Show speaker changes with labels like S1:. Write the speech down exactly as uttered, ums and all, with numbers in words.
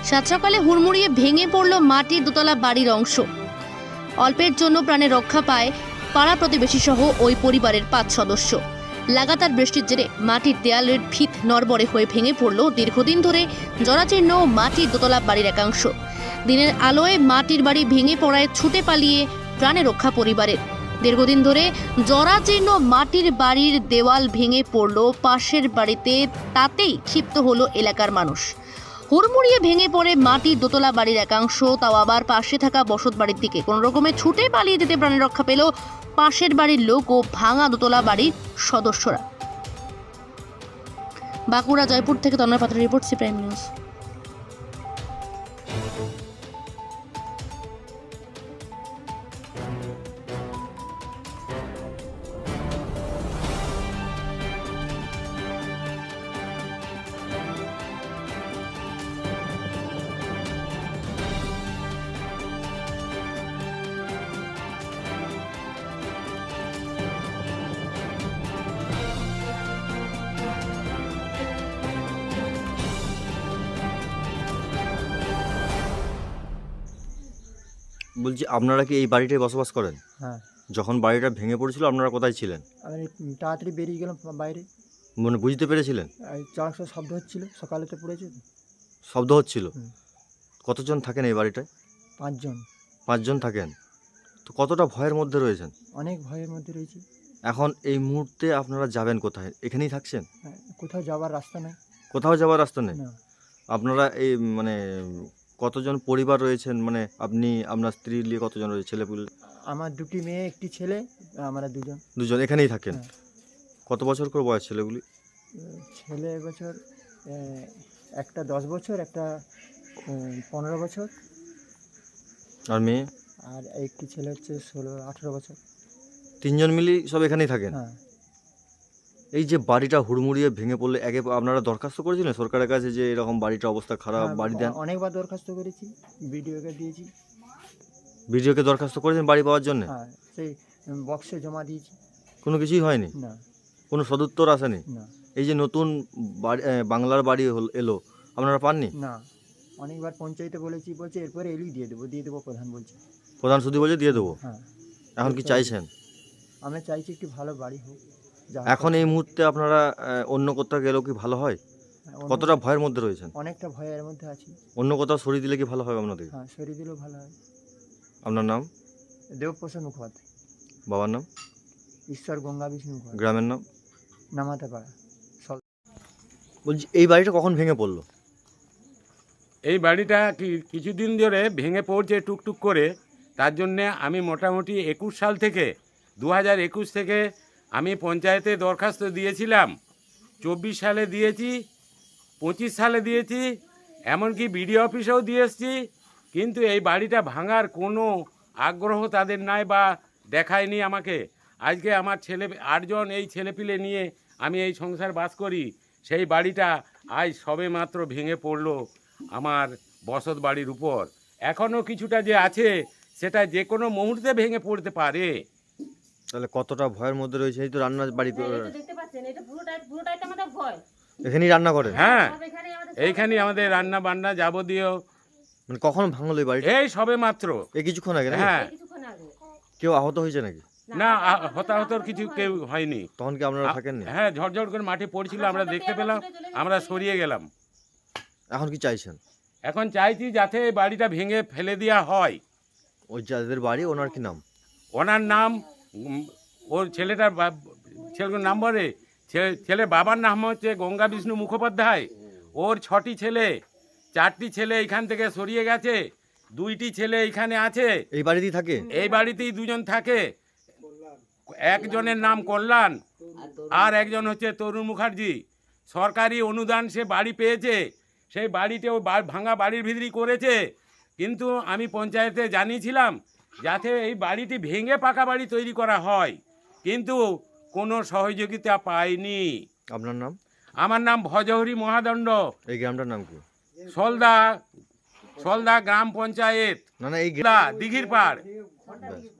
S1: সাত সকালে হুড়মুড়িয়ে ভেঙে পড়ল মাটির দোতলা বাড়ির অংশ। অল্পের জন্য প্রাণে রক্ষা পায় পাড়া প্রতিবেশী সহ ওই পরিবারের পাঁচ সদস্য। লাগাতার বৃষ্টির জেরে মাটির দেয়ালের ভিত নড়বড়ে হয়ে ভেঙে পড়ল দীর্ঘদিন ধরে জরাজীর্ণ মাটির দোতলা বাড়ির একাংশ। দিনের আলোয় মাটির বাড়ি ভেঙে পড়ায় ছুটে পালিয়ে প্রাণে রক্ষা পরিবারের। দীর্ঘদিন ধরে জরাজীর্ণ মাটির বাড়ির দেওয়াল ভেঙে পড়ল পাশের বাড়িতে, তাতেই ক্ষিপ্ত হলো এলাকার মানুষ। হুড়মুড়িয়ে ভেঙে পড়ে মাটির দোতলা বাড়ির একাংশ, তাও আবার পাশে থাকা বসত বাড়ির দিকে। কোনো রকমে ছুটে পালিয়ে যেতে প্রাণে রক্ষা পেল পাশের বাড়ির লোক ও ভাঙা দোতলা বাড়ির সদস্যরা। বাঁকুড়া জয়পুর থেকে তন্ময় পাত্রের রিপোর্ট, সি প্রাইম নিউজ।
S2: বলছি, আপনারা কি এই বাড়িটায় বসবাস করেন?
S3: হ্যাঁ,
S2: যখন বাড়িটা ভেঙে পড়েছিল আপনারা কোথায় ছিলেন?
S3: আমি তাড়াতাড়ি বেরিয়ে গেলাম বাইরে।
S2: মানে বুঝতে পেরেছিলেন?
S3: চারশো শব্দ হচ্ছিল, সকালে তো পড়েছে তো।
S2: শব্দ হচ্ছিল?
S3: হুম।
S2: কতজন থাকেন এই বাড়িটায়?
S3: পাঁচজন।
S2: পাঁচজন থাকেন। তো কতটা ভয়ের মধ্যে রয়েছেন?
S3: অনেক ভয়ের মধ্যে রয়েছি।
S2: এখন এই মুহূর্তে আপনারা যাবেন কোথায়? এখানেই থাকছেন?
S3: হ্যাঁ, কোথাও যাওয়ার রাস্তা নেই।
S2: কোথাও যাওয়ার রাস্তা নেই?
S3: না,
S2: আপনারা এই মানে কতজন পরিবার রয়েছেন? মানে আপনি, আপনার স্ত্রী নিয়ে কতজন রয়েছে, ছেলেপুলে?
S3: আমার দুটি মেয়ে, একটি ছেলে, আমরা দুজন।
S2: দুজন এখানেই থাকেন?
S3: হ্যাঁ।
S2: কত বছর করে বয়স ছেলেগুলি?
S3: উম, ছেলে এবছর আহ, একটা দশ বছর, একটা উম, পনেরো বছর,
S2: আর মেয়ে?
S3: আর একটি ছেলে হচ্ছে ষোলো আঠেরো বছর।
S2: তিনজন মিলেই সব এখানেই থাকেন?
S3: হ্যাঁ,
S2: এই যে বাড়িটা হুড়মুড়িয়ে ভেঙে পড়লে, আগে আপনারা দরখাস্ত করেছিলেন সরকারের কাছে যে এরকম বাড়িটার অবস্থা খারাপ,
S3: হ্যাঁ,
S2: বাড়ি দেন?
S3: অনেকবার দরখাস্ত করেছি, বিডিওকে দিয়েছি।
S2: ভিডিওকে দরখাস্ত করেছেন বাড়ি পাওয়ার জন্য?
S3: হ্যাঁ, সেই বক্সে জমা দিয়েছি।
S2: কোনো কিছুই হয়নি?
S3: না,
S2: কোনো সদুত্তর আসেনি?
S3: না,
S2: এই যে নতুন বাড়ি, আহ, বাংলার বাড়ি হল- এলো, আপনারা পাননি?
S3: না। অনেকবার পঞ্চায়েতে বলেছি, বলছে এরপরে এলেই দিয়ে দেবো, দিয়ে দেবো প্রধান বলছে।
S2: প্রধান শুধু বলছে দিয়ে দেবো।
S3: হ্যাঁ,
S2: এখন কি চাইছেন?
S3: আমি চাইছি একটু ভালো বাড়ি হোক। যা
S2: এখন এই মুহূর্তে আপনারা আহ, অন্য কোথাও গেলেও কি ভালো হয়?
S3: অন্য-
S2: কতটা ভয়ের মধ্যে রয়েছেন?
S3: অনেকটা ভয়ের মধ্যে আছি।
S2: অন্য কোথাও সরিয়ে দিলে কি ভালো হয় আপনাদের?
S3: হ্যাঁ, সরিয়ে দিলেও ভালো হয়।
S2: আপনার নাম?
S3: দেবপ্রসাদ মুখোপাধ্যায়।
S2: বাবার নাম?
S3: ঈশ্বর গঙ্গা বিষ্ণু মুখোপাধ্যায়।
S2: গ্রামের নাম?
S3: নামাতে পাড়া।
S2: বলছি, এই বাড়িটা কখন ভেঙে পড়লো?
S4: এই বাড়িটা কি কিছুদিন ধরে ভেঙে পড়ছে টুকটুক করে। তার জন্যে আমি মোটামুটি একুশ সাল থেকে দু হাজার একুশ থেকে আমি পঞ্চায়েতে দরখাস্ত দিয়েছিলাম। চব্বিশ সালে দিয়েছি, পঁচিশ সালে দিয়েছি, এমনকি বিডিও অফিসেও দিয়ে এসেছি। কিন্তু এই বাড়িটা ভাঙার কোনো আগ্রহ তাদের নাই বা দেখায়নি আমাকে। আজকে আমার ছেলে আটজন এই ছেলেপিলে নিয়ে আমি এই সংসার বাস করি। সেই বাড়িটা আজ সবে মাত্র ভেঙে পড়লো আমার বসত বাড়ির উপর। এখনও কিছুটা যে আছে সেটা যে কোনো মুহূর্তে ভেঙে পড়তে পারে।
S2: তাহলে কতটা ভয়ের মধ্যে রয়েছে? এই তো রান্নার বাড়ি,
S5: দেখতে পাচ্ছেন, এটা পুরোটাই পুরোটাই তো আমাদের ভয়।
S2: এখানেই রান্না করেন?
S4: হ্যাঁ,
S5: সব এখানেই আমাদের
S4: এইখানে আমাদের রান্না বান্না যাবতীয়।
S2: মানে কখন ভাঙলো এই বাড়িটা?
S4: এই সবে মাত্র।
S2: এই কিছুক্ষণ আগে নাকি?
S4: হ্যাঁ,
S5: কিছুক্ষণ আগে।
S2: কেউ আহত হয়েছে নাকি?
S4: না আ- হতাহতর কিছু কেউ হয়নি।
S2: তখন কি আপনারা থাকেননি?
S4: হ্যাঁ, ঝড়ঝড় করে মাঠে পড়ছিল, আমরা দেখতে পেলাম, আমরা সরিয়ে গেলাম।
S2: এখন কি চাইছেন?
S4: এখন চাইছি যাতে এই বাড়িটা ভেঙে ফেলে দেওয়া হয়।
S2: ওই যাদের বাড়ি, ওনার কি নাম?
S4: ওনার নাম, উম, ওর ছেলেটার বা- ছেলের নাম বলে, ছে- ছেলের বাবার নাম হচ্ছে গঙ্গা বিষ্ণু মুখোপাধ্যায়। ওর ছটি ছেলে, চারটি ছেলে এখান থেকে সরিয়ে গেছে, দুইটি ছেলে এখানে আছে।
S2: এই বাড়িতেই থাকে?
S4: এই বাড়িতেই দুজন থাকে। একজনের নাম কল্যাণ, আর একজন হচ্ছে তরুণ মুখার্জি। সরকারি অনুদান সে বাড়ি পেয়েছে, সেই বাড়িতেও বা- ভাঙা বাড়ির ভিতরেই করেছে। কিন্তু আমি পঞ্চায়েতে জানিয়েছিলাম যাতে এই বাড়িটি ভেঙে পাকা বাড়ি তৈরি করা হয়, কিন্তু কোনো সহযোগিতা পাইনি।
S2: আপনার নাম?
S4: আমার নাম ভজহরি মহাদণ্ড।
S2: এই গ্রামটার নাম কি?
S4: সলদা, সলদা গ্রাম পঞ্চায়েত,
S2: না না, এই
S4: দিঘির পাড়।
S2: গ্রাম